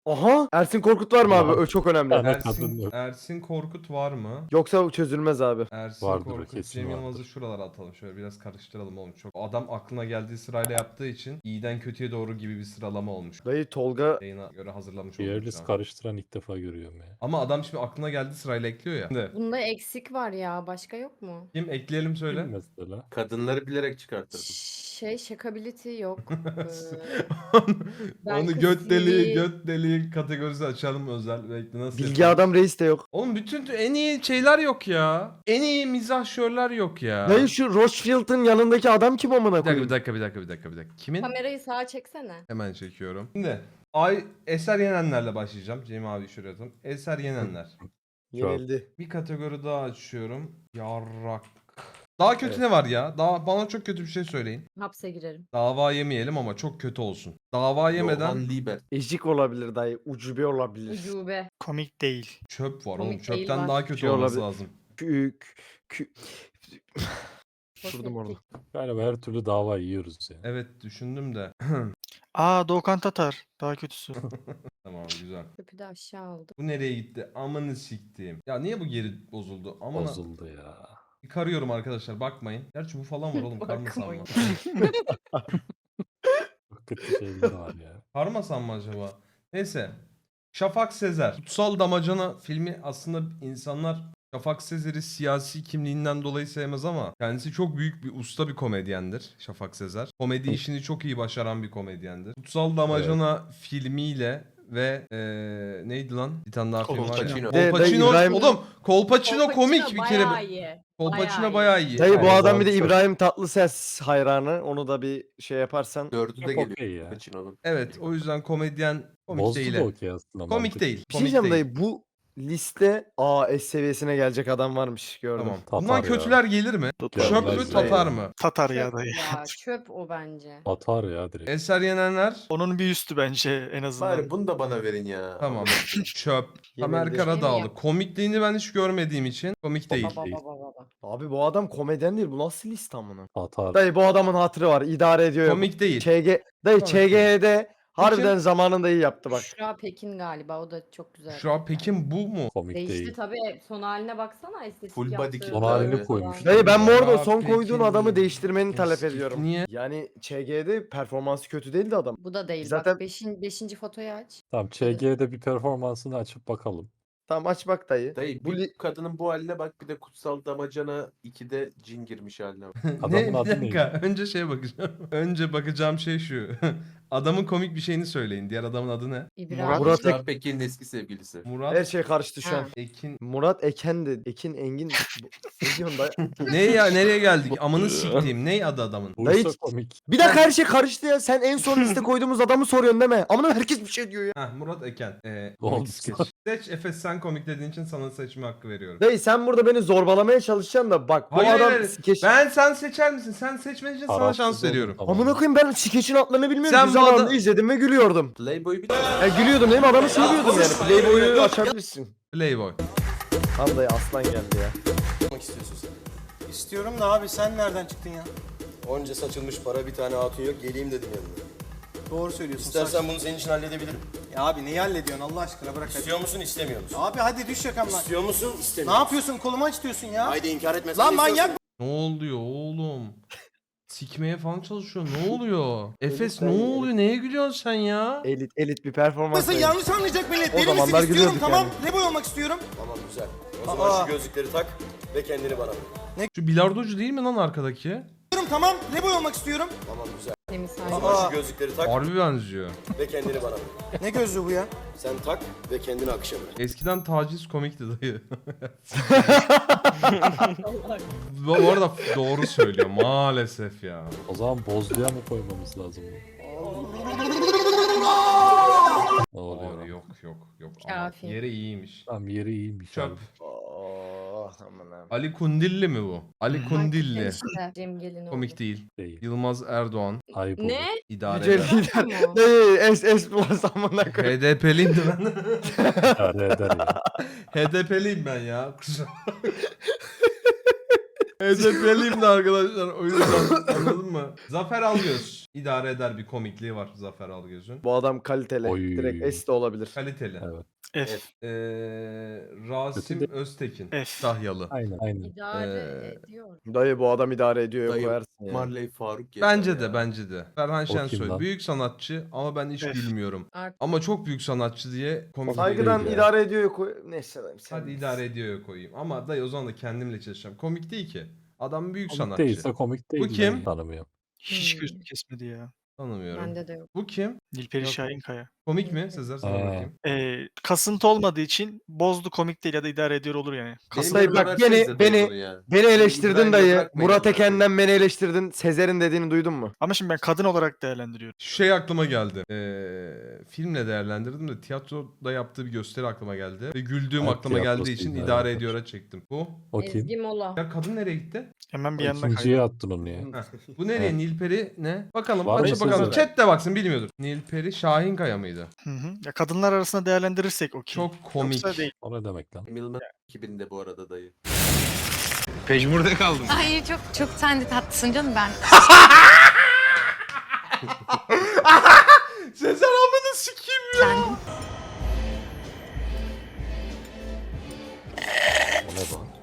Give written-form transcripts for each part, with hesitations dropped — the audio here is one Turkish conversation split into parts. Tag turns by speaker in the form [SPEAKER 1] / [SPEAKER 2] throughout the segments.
[SPEAKER 1] Aha Ersin Korkut var mı abi?
[SPEAKER 2] Var.
[SPEAKER 1] O çok önemli.
[SPEAKER 2] Ana kadın yok.
[SPEAKER 3] Ersin Korkut var mı?
[SPEAKER 1] Yoksa çözülmez abi.
[SPEAKER 3] Ersin
[SPEAKER 2] Vardır,
[SPEAKER 3] Korkut,
[SPEAKER 2] kesin
[SPEAKER 3] Cem Yılmaz'ı
[SPEAKER 2] vardır.
[SPEAKER 3] şuralara atalım. Şöyle biraz karıştıralım oğlum. Çok adam aklına geldiği sırayla yaptığı için iyiden kötüye doğru gibi bir sıralama olmuş.
[SPEAKER 1] Dayı Tolga
[SPEAKER 3] Yayına göre hazırlamış
[SPEAKER 2] Bir
[SPEAKER 3] olduk
[SPEAKER 2] yerlis
[SPEAKER 3] şu an.
[SPEAKER 2] karıştıran ilk defa görüyorum ya.
[SPEAKER 3] Ama adam şimdi aklına geldiği sırayla ekliyor ya. Şimdi
[SPEAKER 4] Bunda eksik var ya. Başka yok mu?
[SPEAKER 3] kim ekleyelim söyle.
[SPEAKER 2] Kim mesela?
[SPEAKER 5] Kadınları bilerek çıkarttırdım.
[SPEAKER 4] Şakability yok.
[SPEAKER 3] Onu göt deliği kategorisi açalım özel. Bekle nasıl
[SPEAKER 1] Bilgi
[SPEAKER 3] yapalım?
[SPEAKER 1] Adam Reis de yok.
[SPEAKER 3] Oğlum bütün en iyi şeyler yok ya. En iyi mizahşörler yok ya.
[SPEAKER 1] Dayı şu Rochefield'ın yanındaki adam kim amına
[SPEAKER 3] Bir
[SPEAKER 1] koyayım?
[SPEAKER 3] dakika. Kimin?
[SPEAKER 4] Kamerayı sağa çeksene.
[SPEAKER 3] Hemen çekiyorum. Şimdi Eser Yenenler'le başlayacağım. Cem abi şuraya atalım. Eser Yenenler.
[SPEAKER 1] Yenildi.
[SPEAKER 3] Bir kategori daha açıyorum. Yarrak. Daha kötü ne var ya? Daha bana çok kötü bir şey söyleyin.
[SPEAKER 4] Hapse girerim.
[SPEAKER 3] Dava yemeyelim ama çok kötü olsun. Dava yemeden
[SPEAKER 5] Johan Liebert.
[SPEAKER 1] Ejik olabilir dayı. Ucube olabilir.
[SPEAKER 4] Ucube.
[SPEAKER 6] Komik değil.
[SPEAKER 3] çöp var
[SPEAKER 4] Komik
[SPEAKER 3] oğlum. Çöpten
[SPEAKER 4] değil var.
[SPEAKER 3] daha kötü
[SPEAKER 1] Şey
[SPEAKER 3] olması
[SPEAKER 1] olabilir.
[SPEAKER 3] lazım.
[SPEAKER 1] Durdum orada.
[SPEAKER 2] Galiba her türlü dava yiyoruz yani.
[SPEAKER 3] Evet düşündüm de.
[SPEAKER 6] Doğukan Tatar. Daha kötüsü.
[SPEAKER 3] Tamam güzel.
[SPEAKER 4] Köpü de aşağı aldı.
[SPEAKER 3] Bu nereye gitti? Amanı siktiğim. Ya niye bu geri bozuldu? Aman
[SPEAKER 2] Bozuldu ya.
[SPEAKER 3] karıyorum arkadaşlar bakmayın. Gerçi bu falan var oğlum karmasam mı?
[SPEAKER 4] Bakmayın.
[SPEAKER 2] Çok kötü şeyler var ya.
[SPEAKER 3] Karmasam mı acaba? Neyse. Şafak Sezer. Kutsal Damacana filmi aslında insanlar Şafak Sezer'i siyasi kimliğinden dolayı sevmez ama kendisi çok büyük bir usta bir komedyendir Şafak Sezer. Komedi işini çok iyi başaran bir komedyendir. Kutsal Damacana filmiyle ve neydi lan? Bir tane daha film var ya.
[SPEAKER 5] Kolpaçino.
[SPEAKER 3] Kolpaçino.
[SPEAKER 1] İbrahim-
[SPEAKER 3] Oğlum Kolpaçino komik bir kere.
[SPEAKER 4] Bayağı iyi.
[SPEAKER 3] Kolpaçino bayağı iyi.
[SPEAKER 1] Dayı bu
[SPEAKER 2] Aynen.
[SPEAKER 1] adam bir de
[SPEAKER 2] Çok-
[SPEAKER 1] İbrahim Tatlıses hayranı. Onu da bir şey yaparsan.
[SPEAKER 5] Dördü de
[SPEAKER 2] Çok
[SPEAKER 5] geliyor.
[SPEAKER 2] okey ya.
[SPEAKER 5] Pacino'nun.
[SPEAKER 3] Evet o yüzden komedyen komik
[SPEAKER 2] Bozdu
[SPEAKER 3] değil.
[SPEAKER 2] da okey aslında.
[SPEAKER 3] Komik
[SPEAKER 2] mantık.
[SPEAKER 3] değil.
[SPEAKER 1] Bir şey
[SPEAKER 3] Komik
[SPEAKER 1] diyeceğim
[SPEAKER 3] değil.
[SPEAKER 1] dayı bu liste S seviyesine gelecek adam varmış gördüm.
[SPEAKER 3] Tamam.
[SPEAKER 2] Tatar
[SPEAKER 3] Bundan
[SPEAKER 2] ya.
[SPEAKER 3] kötüler gelir mi?
[SPEAKER 6] Tatar.
[SPEAKER 3] Çöp mü
[SPEAKER 2] Gelmez
[SPEAKER 3] Tatar
[SPEAKER 1] ya.
[SPEAKER 3] mı?
[SPEAKER 6] Tatar ya
[SPEAKER 4] Çöp
[SPEAKER 6] dayı.
[SPEAKER 4] ya. Çöp o bence.
[SPEAKER 2] Atar ya direkt.
[SPEAKER 3] Eser Yenenler.
[SPEAKER 6] Onun bir üstü bence en azından.
[SPEAKER 5] Bari bunu da bana verin ya.
[SPEAKER 3] Tamam. Çöp. Tamer
[SPEAKER 1] Yenildi.
[SPEAKER 3] Karadağlı.
[SPEAKER 4] Yemin
[SPEAKER 3] Komikliğini ben hiç görmediğim için komik değil.
[SPEAKER 4] Baba
[SPEAKER 2] değil.
[SPEAKER 4] baba baba.
[SPEAKER 1] Abi bu adam komedyen değil. Bu nasıl liste amına?
[SPEAKER 2] Atar.
[SPEAKER 1] Dayı bu adamın hatırı var. İdare ediyor. ya.
[SPEAKER 3] Komik değil.
[SPEAKER 1] Dayı
[SPEAKER 3] Komik
[SPEAKER 1] ÇG'de harbiden zamanında iyi yaptı bak.
[SPEAKER 4] Büşra Pekin galiba. O da çok güzel.
[SPEAKER 3] Şu an Pekin bu mu?
[SPEAKER 2] Komik
[SPEAKER 4] Değişti
[SPEAKER 2] değil.
[SPEAKER 4] tabii. Son haline baksana. Estetik
[SPEAKER 5] Full
[SPEAKER 4] yaptığı
[SPEAKER 5] body kit
[SPEAKER 2] Son halini
[SPEAKER 5] abi.
[SPEAKER 2] koymuş.
[SPEAKER 1] Dayı ben bu arada
[SPEAKER 3] Ya
[SPEAKER 1] son koyduğun
[SPEAKER 3] Pekin
[SPEAKER 1] adamı değiştirmeni talep
[SPEAKER 3] eski-
[SPEAKER 1] ediyorum.
[SPEAKER 3] Niye?
[SPEAKER 1] Yani ÇG'de performansı kötü değildi adam.
[SPEAKER 4] Bu da değil.
[SPEAKER 1] Zaten-
[SPEAKER 4] Bak beşinci fotoyu aç.
[SPEAKER 2] Tamam ÇG'de bir performansını açıp bakalım.
[SPEAKER 1] Tamam aç bak dayı.
[SPEAKER 5] Dayı
[SPEAKER 1] Bu
[SPEAKER 5] bir kadının bu haline bak, bir de Kutsal Damacana 2'de cin girmiş haline bak.
[SPEAKER 2] Adamın
[SPEAKER 3] Ne? Bir
[SPEAKER 2] adı
[SPEAKER 3] dakika.
[SPEAKER 2] neydi?
[SPEAKER 3] Önce şeye bakacağım. Önce bakacağım şey şu. Adamın komik bir şeyini söyleyin. Diğer adamın adı ne?
[SPEAKER 4] İbrahim.
[SPEAKER 1] Murat
[SPEAKER 5] Murat Pekin'in eski sevgilisi.
[SPEAKER 3] Murat
[SPEAKER 1] her şey karıştı şu an.
[SPEAKER 4] Ha.
[SPEAKER 3] Ekin.
[SPEAKER 1] Murat Eken de. Ekin Engin. Ne diyorsun dayı?
[SPEAKER 3] Ne ya nereye geldik? Amını siktiğim. Ne adı adamın?
[SPEAKER 1] Dayı-
[SPEAKER 2] Buysa komik.
[SPEAKER 1] Bir dakika her şey karıştı ya. Sen en son liste koyduğumuz adamı soruyorsun değil mi? Amına herkes bir şey diyor ya.
[SPEAKER 3] Heh, Murat Eken.
[SPEAKER 2] Oldu.
[SPEAKER 3] Komik skeç. Seç Efes sen komik dediğin için sana seçme hakkı veriyorum.
[SPEAKER 1] Dayı sen burada beni zorbalamaya çalışacaksın da bak bu
[SPEAKER 3] Hayır,
[SPEAKER 1] adam
[SPEAKER 3] hayır.
[SPEAKER 1] skeç...
[SPEAKER 3] Sen seçer misin? Sen seçmen için sana
[SPEAKER 2] Tarafsız
[SPEAKER 3] şans
[SPEAKER 2] oldum,
[SPEAKER 3] veriyorum.
[SPEAKER 2] tamam.
[SPEAKER 1] Amına koyayım ben skeçin adlarını bilmiyorum.
[SPEAKER 3] Sen
[SPEAKER 1] Sen
[SPEAKER 3] bu
[SPEAKER 1] zamanında
[SPEAKER 3] adam-
[SPEAKER 1] izledim ve gülüyordum.
[SPEAKER 5] Playboy'u bir
[SPEAKER 1] Gülüyordum değil mi? Adamı seviyordum yani. Playboy'u açabilirsin.
[SPEAKER 3] Playboy.
[SPEAKER 1] Tam dayı aslan geldi ya.
[SPEAKER 7] Yapmak istiyorsun sen.
[SPEAKER 8] İstiyorum da abi sen nereden çıktın ya?
[SPEAKER 7] Onca saçılmış para bir tane hatun yok geleyim dedim yanına.
[SPEAKER 8] Doğru söylüyorsun.
[SPEAKER 7] İstersen bunu senin için halledebilirim.
[SPEAKER 8] Ya abi neyi hallediyorsun Allah aşkına bırak hadi.
[SPEAKER 7] İstiyor musun istemiyor musun?
[SPEAKER 8] Abi hadi düş yakamdan.
[SPEAKER 7] İstiyor musun
[SPEAKER 8] Ne
[SPEAKER 7] istemiyor musun?
[SPEAKER 8] yapıyorsun kolumu aç diyorsun ya.
[SPEAKER 7] Haydi inkar etmesen
[SPEAKER 8] Lan
[SPEAKER 7] de
[SPEAKER 8] manyak
[SPEAKER 7] istiyorsun.
[SPEAKER 3] Ne oluyor oğlum? Sikmeye falan çalışıyor. Ne oluyor? Efes ne
[SPEAKER 1] ben-
[SPEAKER 3] oluyor? Neye gülüyorsun sen ya?
[SPEAKER 1] Elit bir performans.
[SPEAKER 8] mısın?
[SPEAKER 1] dayı.
[SPEAKER 8] Yanlış anlayacak millet.
[SPEAKER 1] O
[SPEAKER 8] Deli misin?
[SPEAKER 1] zamanlar
[SPEAKER 8] İstiyorum
[SPEAKER 1] gülüyorduk
[SPEAKER 8] tamam.
[SPEAKER 1] yani.
[SPEAKER 8] Ne boy olmak istiyorum?
[SPEAKER 7] Tamam güzel. O zaman
[SPEAKER 8] Aa.
[SPEAKER 7] şu gözlükleri tak ve kendini bana bırak.
[SPEAKER 3] Şu bilardocu değil mi lan arkadaki?
[SPEAKER 8] Diyorum tamam. Ne boy olmak istiyorum?
[SPEAKER 7] Tamam güzel.
[SPEAKER 4] Temiz
[SPEAKER 7] O
[SPEAKER 4] hali.
[SPEAKER 7] zaman şu gözlükleri tak
[SPEAKER 3] Harbi benziyor.
[SPEAKER 7] ve kendini bana bırak.
[SPEAKER 8] Ne gözlüğü bu ya?
[SPEAKER 7] Sen tak ve kendini akışa bırak.
[SPEAKER 3] Eskiden taciz komikti dayı. Bu arada doğru söylüyor maalesef ya.
[SPEAKER 2] O zaman bozluya mı koymamız lazım? Ne oluyor?
[SPEAKER 3] Abi yok. Ama
[SPEAKER 4] Kafi.
[SPEAKER 3] yeri iyiymiş.
[SPEAKER 2] Tamam yeri iyiymiş
[SPEAKER 3] Çöp.
[SPEAKER 2] abi.
[SPEAKER 1] Oh aman abi.
[SPEAKER 3] Ali Kundilli mi bu? Ali Kundilli.
[SPEAKER 4] İşte Cem Gelinoğlu.
[SPEAKER 3] Komik değil.
[SPEAKER 2] Değil.
[SPEAKER 3] Yılmaz Erdoğan.
[SPEAKER 2] Ayıp olur.
[SPEAKER 4] Ne?
[SPEAKER 3] İdare
[SPEAKER 1] Yüce
[SPEAKER 3] eder.
[SPEAKER 1] lider.
[SPEAKER 4] Tamam.
[SPEAKER 1] Dayı S plus amına koyayım.
[SPEAKER 3] HDP'liyim de ben.
[SPEAKER 2] İdare eder ya.
[SPEAKER 3] HDP'liyim ben ya. HDP'liyim de arkadaşlar. O yüzden anladın mı? Zafer Algöz. İdare eder bir komikliği var Zafer Algöz'ün.
[SPEAKER 1] Bu adam kaliteli.
[SPEAKER 2] Oy.
[SPEAKER 1] Direkt S de olabilir.
[SPEAKER 3] Kaliteli.
[SPEAKER 2] Evet.
[SPEAKER 6] F.
[SPEAKER 3] Rasim
[SPEAKER 2] Kötü
[SPEAKER 3] Öztekin.
[SPEAKER 6] F.
[SPEAKER 3] Dahyalı.
[SPEAKER 2] Aynen.
[SPEAKER 4] İdare ediyor.
[SPEAKER 1] Dayı bu adam idare ediyor
[SPEAKER 5] Dayı,
[SPEAKER 1] koyarsın ya.
[SPEAKER 5] Marley Faruk yeter
[SPEAKER 3] Bence
[SPEAKER 5] ya.
[SPEAKER 3] de bence de. Ferhan
[SPEAKER 2] kim
[SPEAKER 3] Şensoy
[SPEAKER 2] lan?
[SPEAKER 3] büyük sanatçı ama ben hiç
[SPEAKER 6] Evet.
[SPEAKER 3] gülmüyorum.
[SPEAKER 4] Artık
[SPEAKER 3] Ama çok büyük sanatçı diye komik
[SPEAKER 1] Saygıdan
[SPEAKER 3] değil ya.
[SPEAKER 1] idare ediyor koy. Neyse dayım sen.
[SPEAKER 3] Hadi idare ediyor koyayım. Ama dayı o zaman da kendimle çalışacağım. Komik değil ki. Adam büyük
[SPEAKER 2] Komik
[SPEAKER 3] sanatçı.
[SPEAKER 2] değilse komik değil.
[SPEAKER 3] kim?
[SPEAKER 2] Ben tanımıyorum.
[SPEAKER 6] Hiç
[SPEAKER 4] Hmm.
[SPEAKER 6] gözüm kesmedi ya.
[SPEAKER 3] Tanımıyorum.
[SPEAKER 4] bende de yok.
[SPEAKER 3] Bu kim?
[SPEAKER 6] Nilperi
[SPEAKER 3] Yok.
[SPEAKER 6] Şahinkaya.
[SPEAKER 3] Komik mi? Sezer sana
[SPEAKER 2] Ee.
[SPEAKER 3] bakayım.
[SPEAKER 6] Kasıntı olmadığı için bozdu, komik değil ya da idare ediyor olur yani.
[SPEAKER 5] Benim
[SPEAKER 1] Dayı
[SPEAKER 5] yanıma
[SPEAKER 1] bak
[SPEAKER 5] versenize
[SPEAKER 1] beni
[SPEAKER 5] bunu ya.
[SPEAKER 1] beni eleştirdin
[SPEAKER 5] İbrahim'le
[SPEAKER 1] dayı.
[SPEAKER 5] bırakmayın
[SPEAKER 1] Murat
[SPEAKER 5] amına koyayım.
[SPEAKER 1] Eken'den beni eleştirdin. Sezer'in dediğini duydun mu?
[SPEAKER 6] Ama şimdi ben kadın olarak değerlendiriyorum.
[SPEAKER 3] Şu şey aklıma geldi. Filmle değerlendirdim de tiyatroda yaptığı bir gösteri aklıma geldi. Ve güldüğüm
[SPEAKER 2] Evet,
[SPEAKER 3] aklıma geldiği
[SPEAKER 2] tiyatrosu
[SPEAKER 3] için
[SPEAKER 2] idare
[SPEAKER 3] idare
[SPEAKER 2] eder.
[SPEAKER 3] ediyora çektim. Bu.
[SPEAKER 2] O kim?
[SPEAKER 4] Ezgi Mola.
[SPEAKER 3] Ya kadın nereye gitti?
[SPEAKER 6] Hemen bir
[SPEAKER 2] O
[SPEAKER 6] yanına
[SPEAKER 2] İkinciye
[SPEAKER 6] kaydı.
[SPEAKER 2] attın onu ya.
[SPEAKER 3] Heh. Bu nereye?
[SPEAKER 2] Evet.
[SPEAKER 3] Nilperi ne? Bakalım
[SPEAKER 2] Var mı
[SPEAKER 3] açıp bakalım.
[SPEAKER 2] Sezer?
[SPEAKER 3] Chat de baksın bilmiyordur. Nilperi Şahinkaya mıydı?
[SPEAKER 6] Hı hı. Ya kadınlar arasında değerlendirirsek o kim?
[SPEAKER 3] Çok komik.
[SPEAKER 6] Yoksa değil.
[SPEAKER 2] O ne demek lan?
[SPEAKER 5] Milman 2000'de bu arada dayı.
[SPEAKER 9] Ay çok çok sen de tatlısın canım ben.
[SPEAKER 3] Sezer amını sikeyim ya.
[SPEAKER 9] Sen
[SPEAKER 2] O ne lan?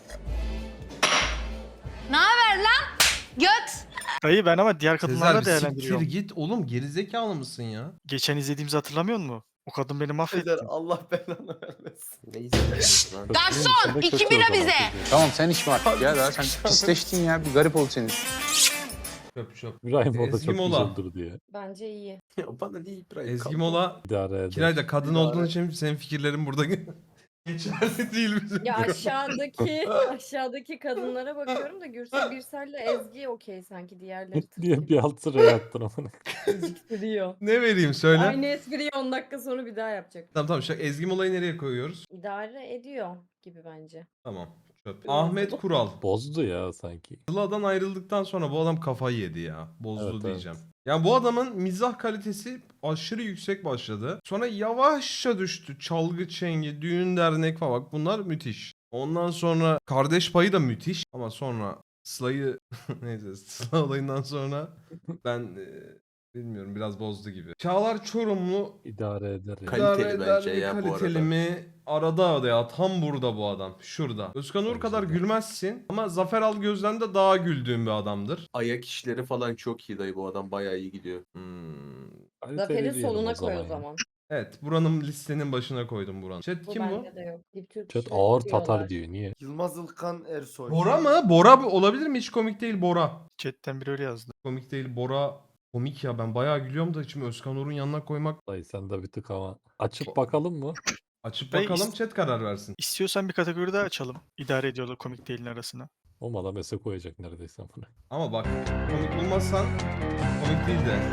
[SPEAKER 9] ne haber lan? Göt.
[SPEAKER 6] Dayı ben ama diğer kadınlarla
[SPEAKER 3] Sezer bir siktir
[SPEAKER 6] değerlendiriyorum.
[SPEAKER 3] git oğlum gerizekalı mısın ya?
[SPEAKER 6] Geçen izlediğimizi hatırlamıyor musun? O kadın beni mahvetti.
[SPEAKER 1] Sezer Allah belanı vermesin.
[SPEAKER 5] Ne izlediniz lan?
[SPEAKER 9] Garson
[SPEAKER 2] Kötü
[SPEAKER 9] 2
[SPEAKER 2] o
[SPEAKER 9] bira
[SPEAKER 2] zaman
[SPEAKER 9] bize.
[SPEAKER 2] çocuğu.
[SPEAKER 10] Tamam sen içme artık ya daha sen pisleştin ya bir garip oldu senin.
[SPEAKER 3] Çöp çöp.
[SPEAKER 2] İbrahim orada
[SPEAKER 3] Ezgi
[SPEAKER 2] çok
[SPEAKER 3] Mola.
[SPEAKER 2] güzel durdu ya.
[SPEAKER 4] Bence iyi.
[SPEAKER 5] Ya bana niye İbrahim
[SPEAKER 3] Ezgi
[SPEAKER 5] kaldı?
[SPEAKER 3] Mola.
[SPEAKER 2] İdare eder.
[SPEAKER 3] Kirayda kadın
[SPEAKER 1] İdare.
[SPEAKER 3] olduğun için senin fikirlerin burada geçerli değil bizim.
[SPEAKER 4] Ya aşağıdaki kadınlara bakıyorum da Gürsel Birsel'le Ezgi okey sanki diğerleri
[SPEAKER 2] diye bir alt sıraya attın amına.
[SPEAKER 4] geciktiriyor.
[SPEAKER 3] Ne vereyim söyle.
[SPEAKER 4] Aynı espriyi 10 dakika sonra bir daha yapacak.
[SPEAKER 3] Tamam tamam şu Ezgi Mola'yı nereye koyuyoruz?
[SPEAKER 4] İdare ediyor gibi bence.
[SPEAKER 3] Tamam. Çöp. Ahmet Kural.
[SPEAKER 2] Bozdu ya sanki.
[SPEAKER 3] Sıla'dan ayrıldıktan sonra bu adam kafayı yedi ya. Bozdu
[SPEAKER 2] Evet,
[SPEAKER 3] diyeceğim. Yani bu adamın mizah kalitesi aşırı yüksek başladı. Sonra yavaşça düştü. Çalgı çengi, düğün dernek falan. Bak bunlar müthiş. Ondan sonra kardeş payı da müthiş. Ama sonra Sıla'yı neyse Sıla olayından sonra ben bilmiyorum biraz bozdu gibi. Çağlar Çorumlu
[SPEAKER 2] İdare eder ya.
[SPEAKER 5] Kaliteli
[SPEAKER 3] idare eder
[SPEAKER 5] bence
[SPEAKER 3] mi,
[SPEAKER 5] ya bu
[SPEAKER 3] kaliteli
[SPEAKER 5] arada.
[SPEAKER 3] mi? Arada ya tam burada bu adam. Şurada. Özkan Uğur
[SPEAKER 2] Bence
[SPEAKER 3] kadar
[SPEAKER 2] de.
[SPEAKER 3] gülmezsin ama Zafer Algöz'den de daha güldüğün bir adamdır.
[SPEAKER 5] Ayak işleri falan çok iyi dayı, bu adam bayağı iyi gidiyor.
[SPEAKER 2] Kaliteli
[SPEAKER 4] Zafer'i
[SPEAKER 2] diyelim
[SPEAKER 4] soluna koy o
[SPEAKER 2] ya.
[SPEAKER 4] zaman.
[SPEAKER 3] Evet buranın listenin başına koydum buranın. Chat
[SPEAKER 4] Bu
[SPEAKER 3] kim bu?
[SPEAKER 4] bende de yok. Dip Türk
[SPEAKER 2] Chat
[SPEAKER 4] işi
[SPEAKER 2] ağır
[SPEAKER 4] diyorlar.
[SPEAKER 2] Tatar diyor. Niye?
[SPEAKER 1] Yılmaz Ilkan Ersoy.
[SPEAKER 3] Bora mı? Bora olabilir mi? Hiç komik değil Bora.
[SPEAKER 6] Chatten biri öyle yazdı.
[SPEAKER 3] Komik değil Bora. Komik ya ben bayağı gülüyorum da şimdi Özkan Uğur'un yanına koymak.
[SPEAKER 2] Dayı sen de bir tık ama. Açıp bakalım mı?
[SPEAKER 3] Açıp
[SPEAKER 6] Dayı
[SPEAKER 3] bakalım chat karar versin.
[SPEAKER 6] İstiyorsan bir kategori daha açalım. İdare ediyorlar komik değilin arasına.
[SPEAKER 2] Olmadan mesele koyacak neredeyse bunu.
[SPEAKER 3] Ama bak komik bulmazsan komik değil de.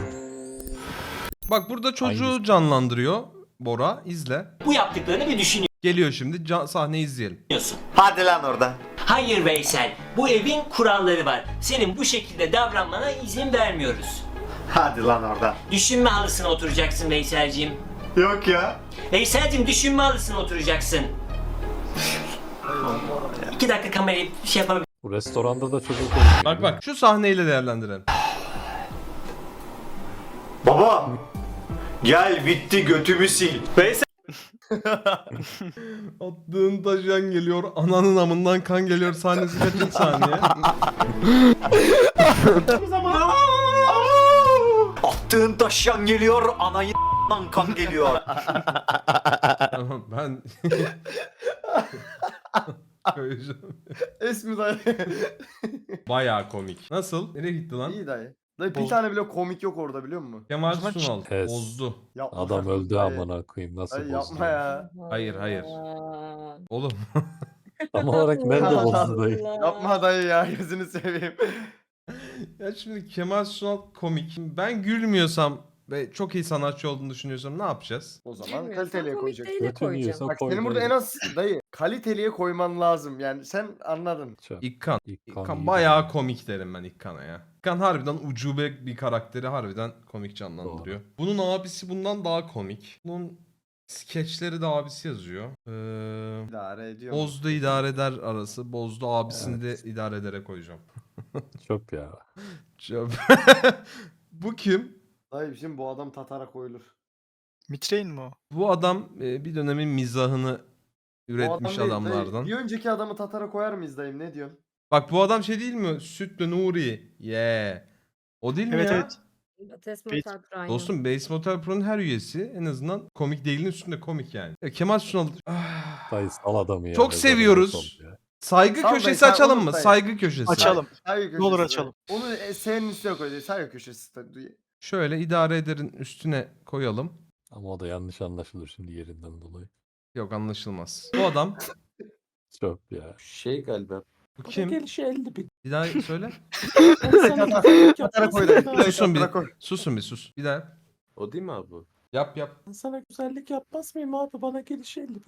[SPEAKER 3] Bak burada çocuğu
[SPEAKER 2] Hangisi?
[SPEAKER 3] canlandırıyor Bora. İzle.
[SPEAKER 11] Bu yaptıklarını bir düşünüyorsun.
[SPEAKER 3] Geliyor şimdi sahne izleyelim.
[SPEAKER 8] Hadi lan oradan.
[SPEAKER 11] Hayır Veysel, bu evin kuralları var. Senin bu şekilde davranmana izin vermiyoruz.
[SPEAKER 8] Hadi lan oradan.
[SPEAKER 11] Düşünme halısına oturacaksın Veyselciğim.
[SPEAKER 8] Yok ya.
[SPEAKER 11] Veyselciğim düşünme halısına oturacaksın. 2 dakika kamerayı şey yapalım.
[SPEAKER 2] Bu restoranda da çocuk konuşuyor.
[SPEAKER 3] Bak bak şu sahneyle değerlendirelim.
[SPEAKER 8] Baba. Gel bitti götümü sil.
[SPEAKER 3] Attığın taşıyan geliyor, ananın amından kan geliyor sahnesi kaçıncı saniye?
[SPEAKER 8] Attığın taşyan geliyor, anayı kan geliyor.
[SPEAKER 3] Tamam ben... Koyacağım.
[SPEAKER 1] Esmi dayı.
[SPEAKER 3] Bayağı komik. Nasıl? Nereye gitti lan?
[SPEAKER 1] İyi dayı. Dayı bir
[SPEAKER 6] Boz-
[SPEAKER 1] tane bile komik yok orada biliyor musun?
[SPEAKER 3] Kemal
[SPEAKER 6] zaman
[SPEAKER 3] Sunal.
[SPEAKER 2] Pes.
[SPEAKER 3] Bozdu.
[SPEAKER 1] Yapma
[SPEAKER 2] Adam
[SPEAKER 1] kardeşim,
[SPEAKER 2] öldü
[SPEAKER 1] dayı.
[SPEAKER 2] amına koyayım nasıl
[SPEAKER 1] Dayı
[SPEAKER 2] bozdu?
[SPEAKER 1] yapma ya.
[SPEAKER 3] Hayır, hayır.
[SPEAKER 4] Aa.
[SPEAKER 3] Oğlum.
[SPEAKER 2] Tam olarak nerede bozdu dayı?
[SPEAKER 1] Yapma dayı ya gözünü seveyim.
[SPEAKER 3] Ya şimdi Kemal Sunal komik. Ben gülmüyorsam ve çok iyi sanatçı olduğunu düşünüyorsam ne yapacağız?
[SPEAKER 1] O zaman
[SPEAKER 4] Bilmiyorum,
[SPEAKER 1] kaliteliye
[SPEAKER 4] sen komik
[SPEAKER 1] koyacaksın.
[SPEAKER 4] değile
[SPEAKER 2] Götünü
[SPEAKER 4] koyacağım.
[SPEAKER 2] yiyorsa
[SPEAKER 1] Bak
[SPEAKER 2] koy
[SPEAKER 1] senin burada
[SPEAKER 2] dayı.
[SPEAKER 1] en az dayı kaliteliye koyman lazım. Yani sen anladın.
[SPEAKER 2] Çöp.
[SPEAKER 3] İkkan.
[SPEAKER 2] İkkan
[SPEAKER 3] İkkan
[SPEAKER 2] iyi
[SPEAKER 3] bayağı komik derim ben İkkan'a ya. İkkan harbiden ucube bir karakteri harbiden komik canlandırıyor. Bunun abisi bundan daha komik. Bunun Skeçleri de abisi yazıyor.
[SPEAKER 1] İdare ediyor.
[SPEAKER 3] Bozdu idare eder arası. Bozdu abisini de idare edere koyacağım.
[SPEAKER 2] Çöp ya.
[SPEAKER 3] Çöp. Bu kim?
[SPEAKER 1] Dayı şimdi bu adam Tatar'a koyulur.
[SPEAKER 6] Mitrein mi o?
[SPEAKER 3] Bu adam bir dönemin mizahını
[SPEAKER 1] Bu
[SPEAKER 3] üretmiş
[SPEAKER 1] adam değil,
[SPEAKER 3] adamlardan.
[SPEAKER 1] dayı. Bir önceki adamı Tatar'a koyar mıyız dayım, ne diyorsun?
[SPEAKER 3] Bak bu adam şey değil mi? Sütlü Nuri. Yeah. O değil mi
[SPEAKER 6] Evet
[SPEAKER 3] ya?
[SPEAKER 6] evet.
[SPEAKER 4] Ates
[SPEAKER 6] Evet.
[SPEAKER 4] Motel Prime.
[SPEAKER 3] Dostum Base Motel Pro'nun her üyesi en azından komik değilin üstünde komik yani. Kemal Sunal.
[SPEAKER 2] Dayı sal adamı ya.
[SPEAKER 3] Çok
[SPEAKER 2] mezarına
[SPEAKER 3] seviyoruz.
[SPEAKER 2] sol ya.
[SPEAKER 3] Saygı
[SPEAKER 1] Sal dayı,
[SPEAKER 3] köşesi
[SPEAKER 1] sen
[SPEAKER 3] açalım
[SPEAKER 1] unut
[SPEAKER 3] mı?
[SPEAKER 1] dayı.
[SPEAKER 3] Saygı köşesi.
[SPEAKER 6] Açalım.
[SPEAKER 1] Saygı
[SPEAKER 6] Ne olur
[SPEAKER 1] köşesi.
[SPEAKER 6] açalım.
[SPEAKER 1] Onu senin üstüne koy. Saygı köşesi. Dayı.
[SPEAKER 3] Şöyle idare ederin üstüne koyalım.
[SPEAKER 2] Ama o da yanlış anlaşılır şimdi yerinden dolayı.
[SPEAKER 3] Yok anlaşılmaz. Bu adam.
[SPEAKER 2] Çöp ya.
[SPEAKER 5] Şey galiba.
[SPEAKER 3] Bu kim?
[SPEAKER 5] Gelişi 50 bin.
[SPEAKER 3] Bir daha söyle.
[SPEAKER 1] Tatar'a koy dayı.
[SPEAKER 3] Susun bir.
[SPEAKER 1] Tatar'a koy.
[SPEAKER 3] Susun bir sus. Bir daha.
[SPEAKER 5] O değil mi abi?
[SPEAKER 3] Yap yap.
[SPEAKER 5] Ben sana güzellik yapmaz mıyım abi? Bana gelişi 50 bin.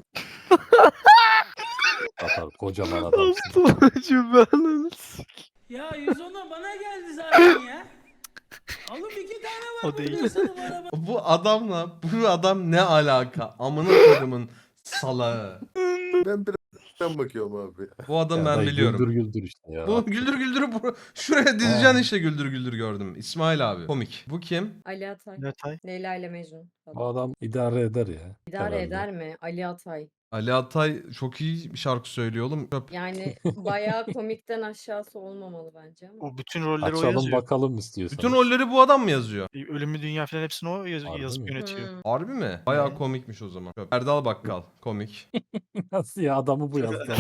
[SPEAKER 2] Tatar kocaman adamsın.
[SPEAKER 11] Ya 110'a bana geldi zaten ya. Oğlum 2 tane var.
[SPEAKER 6] O değil.
[SPEAKER 3] Bu adam ne alaka? Amına kodumun salağı.
[SPEAKER 7] Ben biraz bakıyorum abi.
[SPEAKER 3] Bu adam
[SPEAKER 2] Ya
[SPEAKER 3] ben
[SPEAKER 2] dayı
[SPEAKER 3] biliyorum.
[SPEAKER 2] Güldür güldür işte ya.
[SPEAKER 3] Bu güldür güldür şuraya dizeceksin işte güldür güldür gördüm. İsmail abi. Komik. Bu kim?
[SPEAKER 4] Ali Atay.
[SPEAKER 6] Netay.
[SPEAKER 4] Leyla ile Mecnun.
[SPEAKER 2] Bu adam idare eder ya.
[SPEAKER 4] İdare
[SPEAKER 2] herhalde.
[SPEAKER 4] eder mi? Ali Atay.
[SPEAKER 3] Ali Atay çok iyi bir şarkı söylüyor oğlum. Çöp.
[SPEAKER 4] Yani bayağı komikten aşağısı olmamalı bence ama.
[SPEAKER 6] O bütün rolleri o
[SPEAKER 2] Açalım
[SPEAKER 6] yazıyor.
[SPEAKER 2] bakalım istiyorsan.
[SPEAKER 3] Bütün rolleri bu adam mı yazıyor?
[SPEAKER 6] Ölümlü Dünya falan hepsini o
[SPEAKER 2] Harbi
[SPEAKER 6] yazıp
[SPEAKER 2] mi?
[SPEAKER 6] yönetiyor.
[SPEAKER 4] Hmm.
[SPEAKER 3] Harbi mi? Bayağı komikmiş o zaman. Çöp. Erdal Bakkal. Komik.
[SPEAKER 2] Nasıl ya adamı bu yazdı.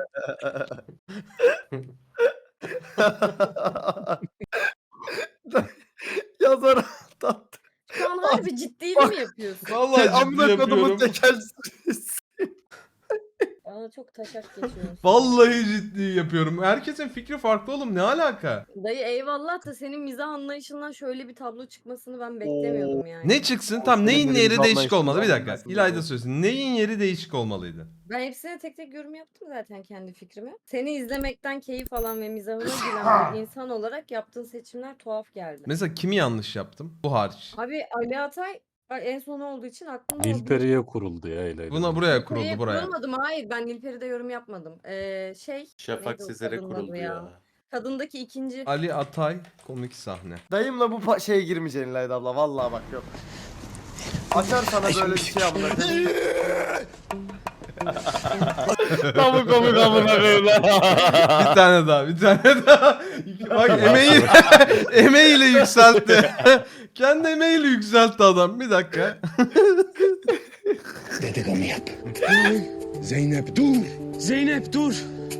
[SPEAKER 1] Yazar tat.
[SPEAKER 4] Şu an harbi ciddiyle mi yapıyorsun?
[SPEAKER 3] Vallahi ciddi
[SPEAKER 1] Amına kodumun
[SPEAKER 3] yapıyorum.
[SPEAKER 1] tekelsiz.
[SPEAKER 4] Bana çok taşak geçiyorsun.
[SPEAKER 3] Vallahi ciddi yapıyorum. Herkesin fikri farklı oğlum. Ne alaka?
[SPEAKER 4] Dayı eyvallah da senin mizah anlayışından şöyle bir tablo çıkmasını ben beklemiyordum yani.
[SPEAKER 3] Ne çıksın? Tam neyin
[SPEAKER 1] Böyle
[SPEAKER 3] yeri
[SPEAKER 1] bir
[SPEAKER 3] değişik olmalı? Bir dakika.
[SPEAKER 1] anlayışından
[SPEAKER 3] İlayda
[SPEAKER 1] bahsediyorum.
[SPEAKER 3] söylesin. Neyin yeri değişik olmalıydı?
[SPEAKER 4] Ben hepsine tek tek yorum yaptım zaten kendi fikrimi. Seni izlemekten keyif alan ve mizahına gülen bir insan olarak yaptığın seçimler tuhaf geldi.
[SPEAKER 3] Mesela kimi yanlış yaptım? Bu hariç.
[SPEAKER 4] Abi Ali Atay en son olduğu için aklımda o
[SPEAKER 2] Nilperi'ye kuruldu ya Eylül.
[SPEAKER 3] Buna buraya kuruldu
[SPEAKER 4] Nilperi'ye
[SPEAKER 3] buraya.
[SPEAKER 4] kurulmadım, hayır ben Nilperi'de yorum yapmadım.
[SPEAKER 5] Şafak
[SPEAKER 4] neydi o
[SPEAKER 5] Sezer'e
[SPEAKER 4] kadının
[SPEAKER 5] kuruldu
[SPEAKER 4] adı
[SPEAKER 5] ya.
[SPEAKER 4] Kadındaki ikinci.
[SPEAKER 3] Ali Atay komik sahne.
[SPEAKER 1] Dayımla bu şeye girmeyeceksin İlayda abla. Vallahi bak yok. Açar sana böyle bir şey amına koyayım. Tam komik amına koyayım.
[SPEAKER 3] Bir tane daha, bir tane daha. Bak emeğiyle yükseltti. Kendi emeğiyle yükseltti adam. Bir dakika.
[SPEAKER 7] Dedikodu yap. Zeynep dur. Zeynep dur.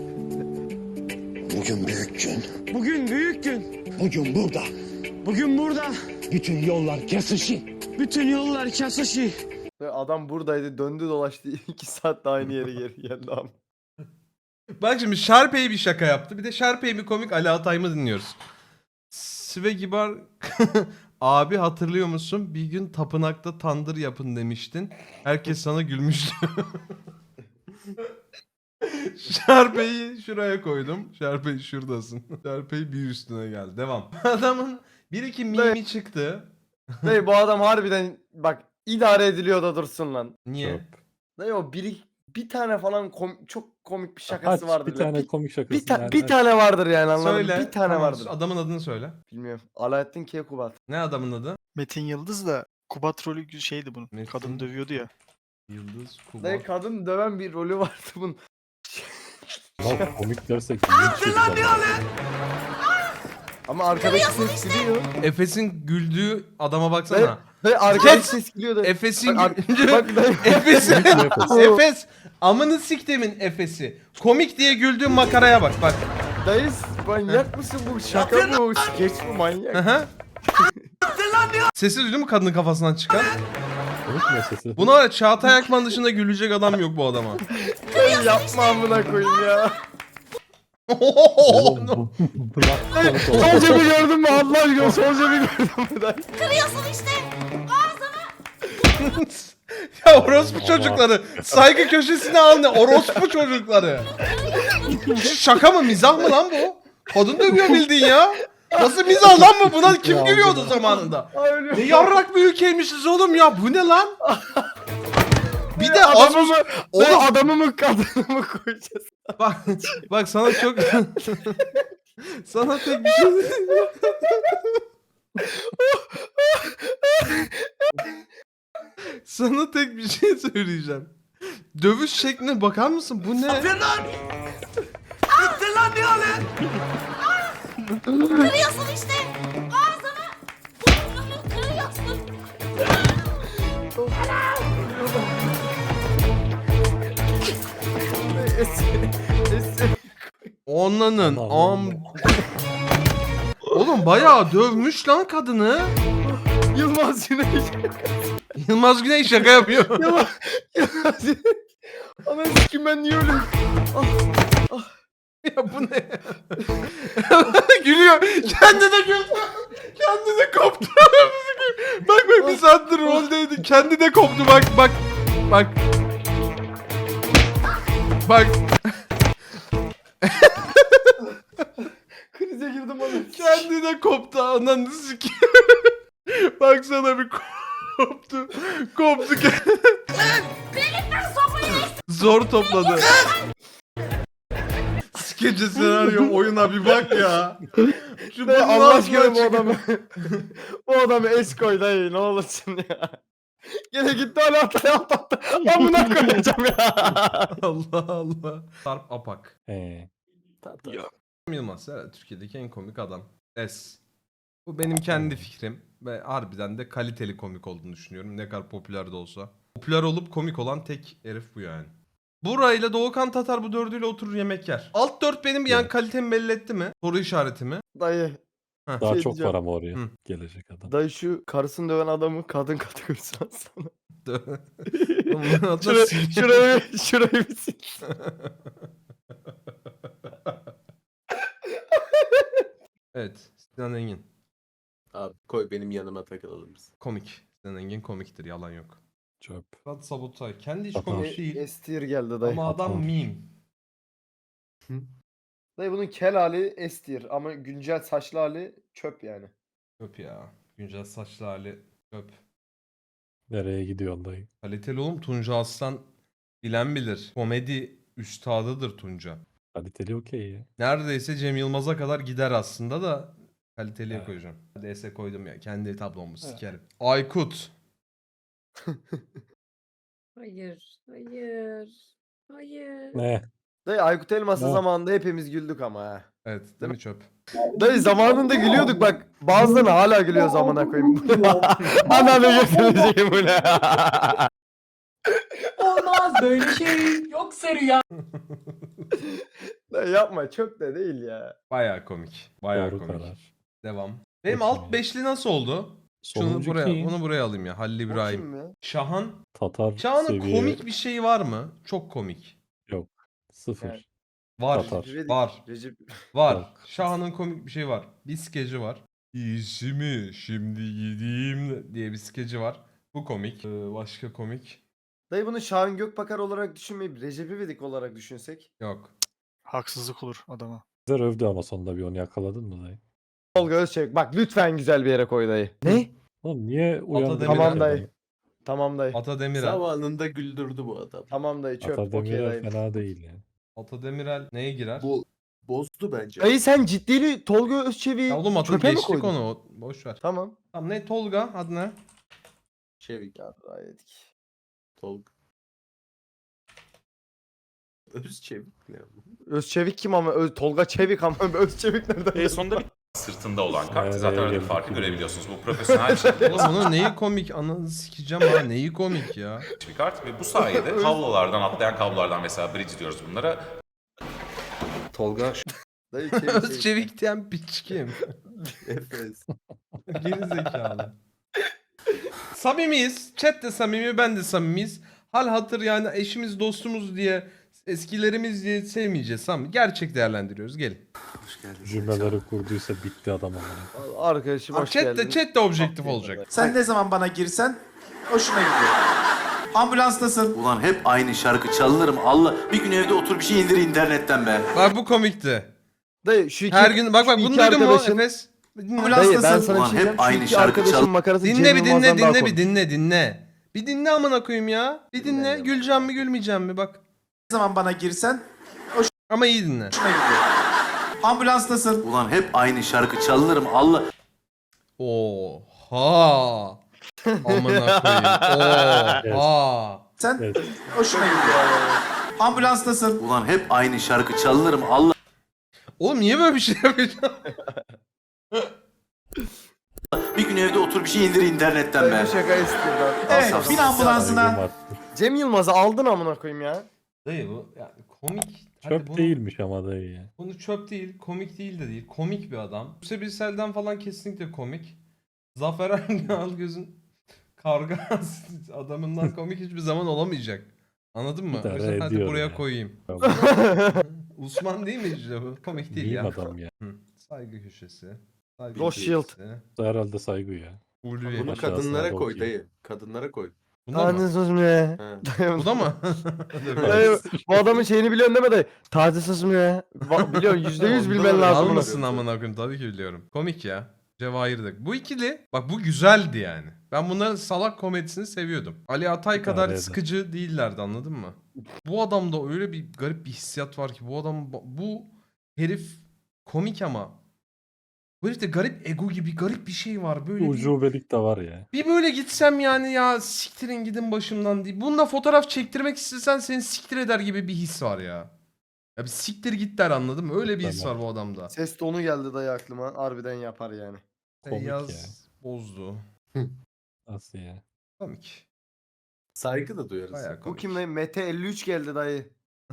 [SPEAKER 7] Bugün büyük gün. Bugün büyük gün. Bugün burada. Bugün burada. Bütün yollar kesişi. Bütün yollar kesişi.
[SPEAKER 1] Adam buradaydı, döndü dolaştı 2 saat de aynı yere geri geldi abi.
[SPEAKER 3] Bak şimdi Şarpey bir şaka yaptı. Bir de Şarpey mi komik Ali Atay mı dinliyoruz. Sve Gibar abi hatırlıyor musun? Bir gün tapınakta tandır yapın demiştin. Herkes sana gülmüştü. Şarpey'i şuraya koydum. Şarpey şuradasın. Şarpey bir üstüne geldi. Devam. Adamın bir iki mimi çıktı.
[SPEAKER 1] Dayı bu adam harbiden bak idare ediliyor da dursun lan.
[SPEAKER 3] Niye?
[SPEAKER 2] Çöp.
[SPEAKER 1] Dayı o bir tane falan çok komik bir şakası
[SPEAKER 2] Aç
[SPEAKER 1] vardır.
[SPEAKER 2] bir tane komik şakası.
[SPEAKER 1] bir tane vardır yani anladın mı?
[SPEAKER 3] Söyle.
[SPEAKER 1] Bir tane
[SPEAKER 3] Tamam,
[SPEAKER 1] vardır.
[SPEAKER 3] adamın adını söyle.
[SPEAKER 1] Bilmiyorum. Alaaddin Keykubat.
[SPEAKER 3] Ne adamın adı?
[SPEAKER 6] Metin Yıldız da Kubat rolü şeydi bunun.
[SPEAKER 3] Metin-
[SPEAKER 6] Kadın dövüyordu ya.
[SPEAKER 3] Yıldız
[SPEAKER 1] Dayı
[SPEAKER 3] Kubat.
[SPEAKER 1] kadın döven bir rolü vardı bunun.
[SPEAKER 2] Lan komik dersek linç yiyeceğim.
[SPEAKER 1] Ama arkadaşı ses gülüyor.
[SPEAKER 3] Efes'in güldüğü adama baksana.
[SPEAKER 1] Dayı arkadaşı ses gülüyor da.
[SPEAKER 3] Efes'in
[SPEAKER 1] Bak,
[SPEAKER 3] güldüğü...
[SPEAKER 1] bak dayı.
[SPEAKER 3] Efes'in...
[SPEAKER 2] Efes.
[SPEAKER 3] Efes. Amını siktemin Efes'i. Komik diye güldüğün makaraya bak bak.
[SPEAKER 1] Dayı manyak mısın bu? Şaka bu. Skeç bu manyak.
[SPEAKER 3] Aha. Sesi duydun mu kadının kafasından çıkan?
[SPEAKER 2] Komik mi sesi?
[SPEAKER 3] Buna var ya Çağatay Akman dışında gülecek adam yok bu adama.
[SPEAKER 1] Dayı yapma amına koyayım ya.
[SPEAKER 2] Oğlum bu bırak komik oldu.
[SPEAKER 1] Solca bir gördün mü Allah aşkına? Solca bir gördün mü dayı?
[SPEAKER 3] Ya orospu çocukları. Saygı köşesine al ne? Orospu çocukları. Şaka mı mizah mı lan bu? Kadın dövüyor bildiğin ya. Nasıl mizah lan bu? Buna kim gülüyordu zamanında?
[SPEAKER 1] Ay, ölüyorum.
[SPEAKER 3] Ne yarrak bir ülkeymişiz oğlum ya. Bu ne lan?
[SPEAKER 1] adamı mı?
[SPEAKER 3] Oğlum.
[SPEAKER 1] Dayı adamı mı kadını mı koyacağız?
[SPEAKER 3] Bak sana çok sana tek bir şey sana tek bir şey söyleyeceğim. Dövüş şekline bakar mısın? Bu ne?
[SPEAKER 9] Kırıyorsun işte. Ağzını burnunu kırıyorsun.
[SPEAKER 3] Onlanın
[SPEAKER 2] Aman
[SPEAKER 3] Oğlum bayağı dövmüş lan kadını.
[SPEAKER 1] Yılmaz Güney.
[SPEAKER 3] Yılmaz Güney şaka yapıyor.
[SPEAKER 1] Yılmaz Güney. Ana sikim ben niye öyle?
[SPEAKER 3] Ya bu ne? Gülüyor. Kendi de güldü. Kendi de koptu. Bak bir saattir roldeydi. Kendi de koptu bak. Bak.
[SPEAKER 1] Krize girdim oğlum.
[SPEAKER 3] Kendi de koptu. Ananı sikeyim. Baksana bir koptu. Koptu. Zor topladı. Skece senaryo oyuna bir bak ya. Şu
[SPEAKER 1] Dayı
[SPEAKER 3] bunun
[SPEAKER 1] Allah
[SPEAKER 3] ağzına
[SPEAKER 1] aşkına bu
[SPEAKER 3] çık-
[SPEAKER 1] adamı. Bu adamı es koy dayı ne olursun ya. Gene gitti hala atlattı. Amına koyacağım ya.
[SPEAKER 3] Allah Allah. Sarp Apak. Yılmaz herhalde Türkiye'deki en komik adam. Bu benim kendi fikrim ve harbiden de kaliteli komik olduğunu düşünüyorum. Ne kadar popüler de olsa. Popüler olup komik olan tek herif bu yani. Bura ile Doğukan Tatar bu dördüyle oturur yemek yer. Alt dört benim yani
[SPEAKER 2] Evet.
[SPEAKER 3] kalitemi belli etti mi? Soru işareti mi?
[SPEAKER 1] Dayı.
[SPEAKER 2] Daha
[SPEAKER 1] Şey
[SPEAKER 2] çok
[SPEAKER 1] diyeceğim.
[SPEAKER 2] var ama oraya
[SPEAKER 3] Hı.
[SPEAKER 2] gelecek adam.
[SPEAKER 1] Dayı şu karısını döven adamı kadın kategorisi alsana.
[SPEAKER 3] Bunun adı
[SPEAKER 1] Şurayı,
[SPEAKER 3] Sil-
[SPEAKER 1] şurayı bir sil.
[SPEAKER 3] Evet. Sinan Engin.
[SPEAKER 5] Abi koy benim yanıma takılalım biz.
[SPEAKER 3] Komik. Sinan Engin komiktir yalan yok.
[SPEAKER 2] Çöp.
[SPEAKER 3] Fırat Sabutay. Kendi hiç
[SPEAKER 2] Tatar.
[SPEAKER 3] komik değil.
[SPEAKER 1] Estir geldi dayı.
[SPEAKER 3] Ama adam
[SPEAKER 2] Tatar.
[SPEAKER 3] meme.
[SPEAKER 1] Dayı bunun kel hali estir ama güncel saçlı hali çöp yani.
[SPEAKER 3] Çöp ya. Güncel saçlı hali çöp.
[SPEAKER 2] Nereye gidiyorsun dayı?
[SPEAKER 3] Kaliteli oğlum Tunca Aslan bilen bilir. Komedi üstadıdır Tunca.
[SPEAKER 2] Kaliteli okey ya.
[SPEAKER 3] Neredeyse Cem Yılmaz'a kadar gider aslında da kaliteliye
[SPEAKER 2] Evet.
[SPEAKER 3] koyacağım. DS koydum ya. Kendi tablomu sikerim. Aykut.
[SPEAKER 4] Hayır. Hayır.
[SPEAKER 2] Ne?
[SPEAKER 1] Dayı Aykut Elmas'ın
[SPEAKER 2] Ne?
[SPEAKER 1] zamanında hepimiz güldük ama ha.
[SPEAKER 3] Evet değil mi çöp?
[SPEAKER 1] Dayı zamanında gülüyorduk bak. Bazıları hala gülüyor zamana koyayım. Ananı götürecek bu ne?
[SPEAKER 11] Olmaz böyle şey. Yoksa rüya.
[SPEAKER 1] Dayı yapma çok da değil ya.
[SPEAKER 3] Bayağı komik. Bayağı
[SPEAKER 2] Doğru
[SPEAKER 3] komik.
[SPEAKER 2] karar.
[SPEAKER 3] Devam. Benim
[SPEAKER 2] Çok
[SPEAKER 3] alt
[SPEAKER 2] iyi.
[SPEAKER 3] beşli nasıl oldu? Şunu
[SPEAKER 2] Sonuncu
[SPEAKER 3] buraya,
[SPEAKER 2] kim?
[SPEAKER 3] bunu buraya alayım ya. Halil
[SPEAKER 1] O
[SPEAKER 3] İbrahim.
[SPEAKER 1] kim ya?
[SPEAKER 3] Şahan.
[SPEAKER 2] Tatar
[SPEAKER 3] Şahan'ın
[SPEAKER 2] seviye
[SPEAKER 3] komik bir şeyi var mı? Çok komik.
[SPEAKER 2] sıfır.
[SPEAKER 1] Yani.
[SPEAKER 3] Var.
[SPEAKER 2] Tatar.
[SPEAKER 3] Var.
[SPEAKER 1] Recep.
[SPEAKER 3] Var.
[SPEAKER 2] Yok.
[SPEAKER 3] Şahan'ın komik bir şey var. Bir skeci var. İyisi mi şimdi gideyim diye bir skeci var. Bu komik. Başka komik.
[SPEAKER 1] Dayı bunu Şahin Gökbakar olarak düşünmeyip Recep İvedik olarak düşünsek.
[SPEAKER 3] Yok.
[SPEAKER 6] Haksızlık olur adama.
[SPEAKER 2] Güzel övdü ama sonunda bir onu yakaladın mı dayı?
[SPEAKER 1] Tolga Özçevik bak lütfen güzel bir yere koy dayı. Ne?
[SPEAKER 2] Oğlum niye uyandırdın?
[SPEAKER 3] Demirel.
[SPEAKER 1] Tamam dayı. Tamam dayı.
[SPEAKER 3] Ata Demirel.
[SPEAKER 5] Zamanında güldürdü bu adam.
[SPEAKER 1] Tamam dayı çöp.
[SPEAKER 2] Ata
[SPEAKER 1] Okey
[SPEAKER 2] Demirel
[SPEAKER 1] dayı.
[SPEAKER 2] fena değil yani.
[SPEAKER 3] Ata Demirel neye girer?
[SPEAKER 5] Bu bozdu bence.
[SPEAKER 1] Dayı sen ciddiğini Tolga Özçevik'i
[SPEAKER 3] Ya oğlum Ata
[SPEAKER 1] çöpe mi
[SPEAKER 3] geçtik
[SPEAKER 1] koydun?
[SPEAKER 3] onu. Boş ver.
[SPEAKER 1] Tamam.
[SPEAKER 3] Tamam ne Tolga adı ne?
[SPEAKER 5] Çevik.
[SPEAKER 1] Ya yedik.
[SPEAKER 5] Tolga. Özçevik ne bu?
[SPEAKER 1] Özçevik kim ama? Tolga Çevik ama Özçevik nereden?
[SPEAKER 8] Sonunda bir sırtında olan kart.
[SPEAKER 2] Evet,
[SPEAKER 8] Zaten
[SPEAKER 2] evet,
[SPEAKER 8] öyle bir
[SPEAKER 2] evet.
[SPEAKER 8] farkı görebiliyorsunuz. Bu profesyonel şekilde
[SPEAKER 3] Oğlum bunun neyi komik? Ananı sikeceğim ha. Neyi komik ya?
[SPEAKER 8] bir kart ve bu sayede kablolardan atlayan kablolardan mesela bridge diyoruz bunlara.
[SPEAKER 5] Tolga
[SPEAKER 1] Dayı Çevik.
[SPEAKER 3] Özçevik diyen piç kim?
[SPEAKER 5] Efes.
[SPEAKER 3] Geri zekalı. Samimiyiz. Chat de samimi, ben de samimiyiz. Hal hatır yani eşimiz, dostumuz diye, eskilerimiz diye sevmeyeceğiz. Tamam. Gerçek değerlendiriyoruz. Gelin.
[SPEAKER 2] Cümleleri kurduysa bitti adam ama.
[SPEAKER 1] Arkadaşım hoş geldin.
[SPEAKER 3] Chat de objektif olacak.
[SPEAKER 7] Sen ne zaman bana girsen hoşuna gidiyor. Ambulanstasın.
[SPEAKER 8] Ulan hep aynı şarkı çalınır mı? Allah bir gün evde otur bir şey indir internetten be.
[SPEAKER 3] Bak bu komikti.
[SPEAKER 1] Dayı şu iki,
[SPEAKER 3] Her gün bak
[SPEAKER 1] şu
[SPEAKER 3] bunu
[SPEAKER 1] iki
[SPEAKER 3] duydun mu
[SPEAKER 1] arkadaşın-
[SPEAKER 3] Efes? Dinle.
[SPEAKER 1] Dayı ben
[SPEAKER 7] Ambulanstasın.
[SPEAKER 1] sana bir
[SPEAKER 8] Ulan
[SPEAKER 1] şey
[SPEAKER 8] hep
[SPEAKER 1] diyeceğim. Şu
[SPEAKER 8] aynı
[SPEAKER 1] iki
[SPEAKER 8] şarkı
[SPEAKER 1] arkadaşın
[SPEAKER 8] çal-
[SPEAKER 1] makarası
[SPEAKER 3] Dinle
[SPEAKER 1] Cem
[SPEAKER 3] bir
[SPEAKER 1] Yılmaz'dan daha
[SPEAKER 3] dinle
[SPEAKER 1] komik.
[SPEAKER 3] dinle. Bir dinle amına koyayım ya. Bir dinle.
[SPEAKER 5] Dinlemiyorum.
[SPEAKER 3] Güleceğim mi gülmeyeceğim mi bak.
[SPEAKER 8] Ne zaman bana girsen
[SPEAKER 3] Ama iyi dinle.
[SPEAKER 8] hoşuna gidiyor. Ambulanstasın. Ulan hep aynı şarkı çalınırım Allah.
[SPEAKER 3] Oha. Amına koyayım. Oha.
[SPEAKER 8] Sen
[SPEAKER 2] Evet.
[SPEAKER 8] hoşuna gidiyor. Ambulanstasın. Ulan hep aynı şarkı çalınırım Allah.
[SPEAKER 3] Oğlum niye böyle bir şey yapıyorsun?
[SPEAKER 8] Bir gün evde otur bir şey indir internetten
[SPEAKER 1] Böyle
[SPEAKER 8] be.
[SPEAKER 1] bir şaka istiyorlar.
[SPEAKER 8] Evet,
[SPEAKER 1] Al,
[SPEAKER 8] bin
[SPEAKER 1] sal.
[SPEAKER 8] ambulansına.
[SPEAKER 2] Saygım arttı.
[SPEAKER 1] Cem Yılmaz'ı aldın amına koyayım ya.
[SPEAKER 3] Dayı bu yani komik. Hadi
[SPEAKER 2] Çöp
[SPEAKER 3] bunu-
[SPEAKER 2] değilmiş ama dayı ya.
[SPEAKER 3] Bunu çöp değil, komik değil de değil. Komik bir adam. Buse Birsel'den falan kesinlikle komik. Zafer Algöz'ün karga adamından komik hiçbir zaman olamayacak. Anladın mı? O
[SPEAKER 2] İdare
[SPEAKER 3] yüzden hadi
[SPEAKER 2] ediyor
[SPEAKER 3] buraya
[SPEAKER 2] ya.
[SPEAKER 3] koyayım. Osman değil mi işte bu? Komik değil
[SPEAKER 2] Meme
[SPEAKER 3] ya.
[SPEAKER 2] adam ya.
[SPEAKER 3] Hı. Saygı köşesi. Saygı
[SPEAKER 1] Rothschild.
[SPEAKER 3] köşesi.
[SPEAKER 2] Herhalde saygı ya.
[SPEAKER 3] Ulvi.
[SPEAKER 5] Bunu
[SPEAKER 2] Aşağısına
[SPEAKER 5] kadınlara
[SPEAKER 2] doğru
[SPEAKER 5] koy
[SPEAKER 2] gidiyor.
[SPEAKER 5] dayı. Kadınlara koy.
[SPEAKER 3] Bunda mı?
[SPEAKER 1] Taciz sözüm ya.
[SPEAKER 5] He.
[SPEAKER 3] Bu da mı?
[SPEAKER 1] Dayı, bu adamın şeyini biliyorsun değil mi dayı? Taciz sözüm ya. Biliyorsun %100
[SPEAKER 5] Onda
[SPEAKER 1] bilmen
[SPEAKER 5] da
[SPEAKER 1] lazım. bunu.
[SPEAKER 3] Almasın amına koyayım tabii ki biliyorum. Komik ya. Cevahir'de. Bu ikili bak bu güzeldi yani. Ben bunların salak komedisini seviyordum. Ali Atay kadar
[SPEAKER 2] eder.
[SPEAKER 3] sıkıcı değillerdi anladın mı? Bu adamda öyle bir garip bir hissiyat var ki bu adam bu herif komik ama bu herifte garip ego gibi garip bir şey var böyle bir,
[SPEAKER 2] Ucubelik de var ya.
[SPEAKER 3] bir böyle gitsem yani ya siktirin gidin başımdan diye. Bununla fotoğraf çektirmek istesen seni siktir eder gibi bir his var ya. Ya bir siktir git der anladın mı? Öyle bir his
[SPEAKER 2] Tamam.
[SPEAKER 3] var bu adamda.
[SPEAKER 1] Ses tonu geldi dayı aklıma. Harbiden yapar yani.
[SPEAKER 2] Komik
[SPEAKER 3] Yaz
[SPEAKER 2] ya.
[SPEAKER 3] bozdu.
[SPEAKER 2] Nasıl ya?
[SPEAKER 3] Komik.
[SPEAKER 5] Saygı da duyarız.
[SPEAKER 3] Bayağı
[SPEAKER 1] Bu
[SPEAKER 3] komik.
[SPEAKER 1] kim dayı? Mete 53 geldi dayı.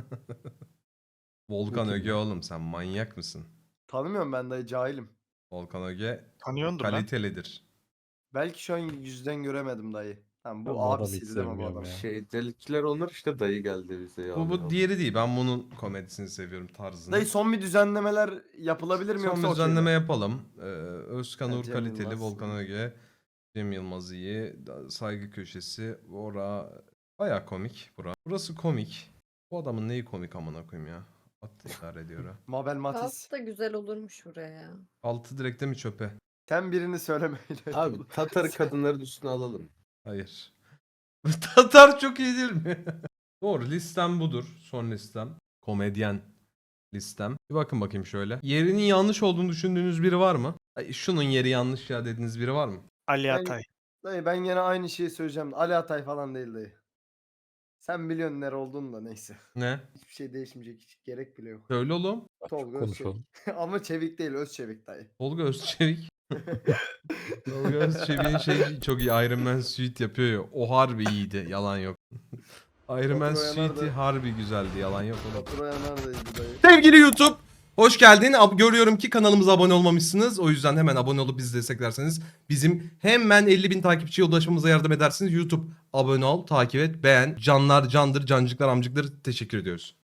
[SPEAKER 3] Volkan
[SPEAKER 2] Bu kim
[SPEAKER 3] Öge
[SPEAKER 2] ya?
[SPEAKER 3] oğlum sen manyak mısın?
[SPEAKER 1] Tanımıyorum ben dayı, cahilim.
[SPEAKER 3] Volkan Öge
[SPEAKER 6] Tanıyordur lan.
[SPEAKER 3] kalitelidir.
[SPEAKER 1] Belki şu an yüzden göremedim dayı. Tamam
[SPEAKER 2] Ben
[SPEAKER 1] bu
[SPEAKER 2] bu adamı
[SPEAKER 1] abisiydi
[SPEAKER 2] hiç
[SPEAKER 1] değil mi bu
[SPEAKER 2] sevmiyorum
[SPEAKER 1] adam?
[SPEAKER 2] ya.
[SPEAKER 5] Şey delikler onlar işte dayı geldi bize ya.
[SPEAKER 3] Bu diğeri değil. Ben bunun komedisini seviyorum tarzını.
[SPEAKER 1] Dayı son bir düzenlemeler yapılabilir mi
[SPEAKER 3] Son
[SPEAKER 1] yoksa
[SPEAKER 3] bir
[SPEAKER 1] okey mi?
[SPEAKER 3] düzenleme yapalım. Özkan
[SPEAKER 1] Ha,
[SPEAKER 3] Uğur
[SPEAKER 1] Cem
[SPEAKER 3] kaliteli,
[SPEAKER 1] Yılmaz.
[SPEAKER 3] Volkan Öge, Cem Yılmaz iyi, Saygı Köşesi, Ora baya komik bura. Burası komik. Bu adamın neyi komik amına koyayım ya. Attı idare ediyor ha.
[SPEAKER 1] Mabel Matiz.
[SPEAKER 4] Alt da güzel olurmuş buraya ya.
[SPEAKER 3] Altı direkte mi çöpe?
[SPEAKER 1] Sen birini söylemeyle.
[SPEAKER 5] Abi Tatar kadınların üstüne alalım.
[SPEAKER 3] Hayır. Tatar çok iyi değil mi? Doğru listem budur. Son listem. Komedyen listem. Bir bakın bakayım şöyle. Yerinin yanlış olduğunu düşündüğünüz biri var mı? Ay, şunun yeri yanlış ya dediğiniz biri var mı?
[SPEAKER 6] Ali
[SPEAKER 1] Ben-
[SPEAKER 6] Atay.
[SPEAKER 1] Dayı ben yine aynı şeyi söyleyeceğim. Ali Atay falan değil dayı. Sen biliyorsun nere olduğunu da neyse.
[SPEAKER 3] Ne?
[SPEAKER 1] Hiçbir şey değişmeyecek. Hiç gerek bile yok.
[SPEAKER 3] Söyle oğlum.
[SPEAKER 1] Tolga
[SPEAKER 2] Konuşalım.
[SPEAKER 1] Özçevik. Ama Çevik değil Özçevik dayı.
[SPEAKER 3] Tolga Özçevik. Tolga Özçevik'in şey çok iyi. Iron Man suite yapıyor ya. O harbi iyiydi. Yalan yok. Iron Man
[SPEAKER 1] Batu Oyanar
[SPEAKER 3] suite'i
[SPEAKER 1] da-
[SPEAKER 3] harbi güzeldi. Yalan yok oğlum.
[SPEAKER 1] Fatura neredeydi dayı?
[SPEAKER 3] Sevgili YouTube, hoş geldin. Görüyorum ki kanalımıza abone olmamışsınız. O yüzden hemen abone olup bizi desteklerseniz bizim hemen 50.000 takipçiye ulaşmamıza yardım edersiniz. YouTube abone ol, takip et, beğen. Canlar candır, cancıklar amcıklar teşekkür ediyoruz.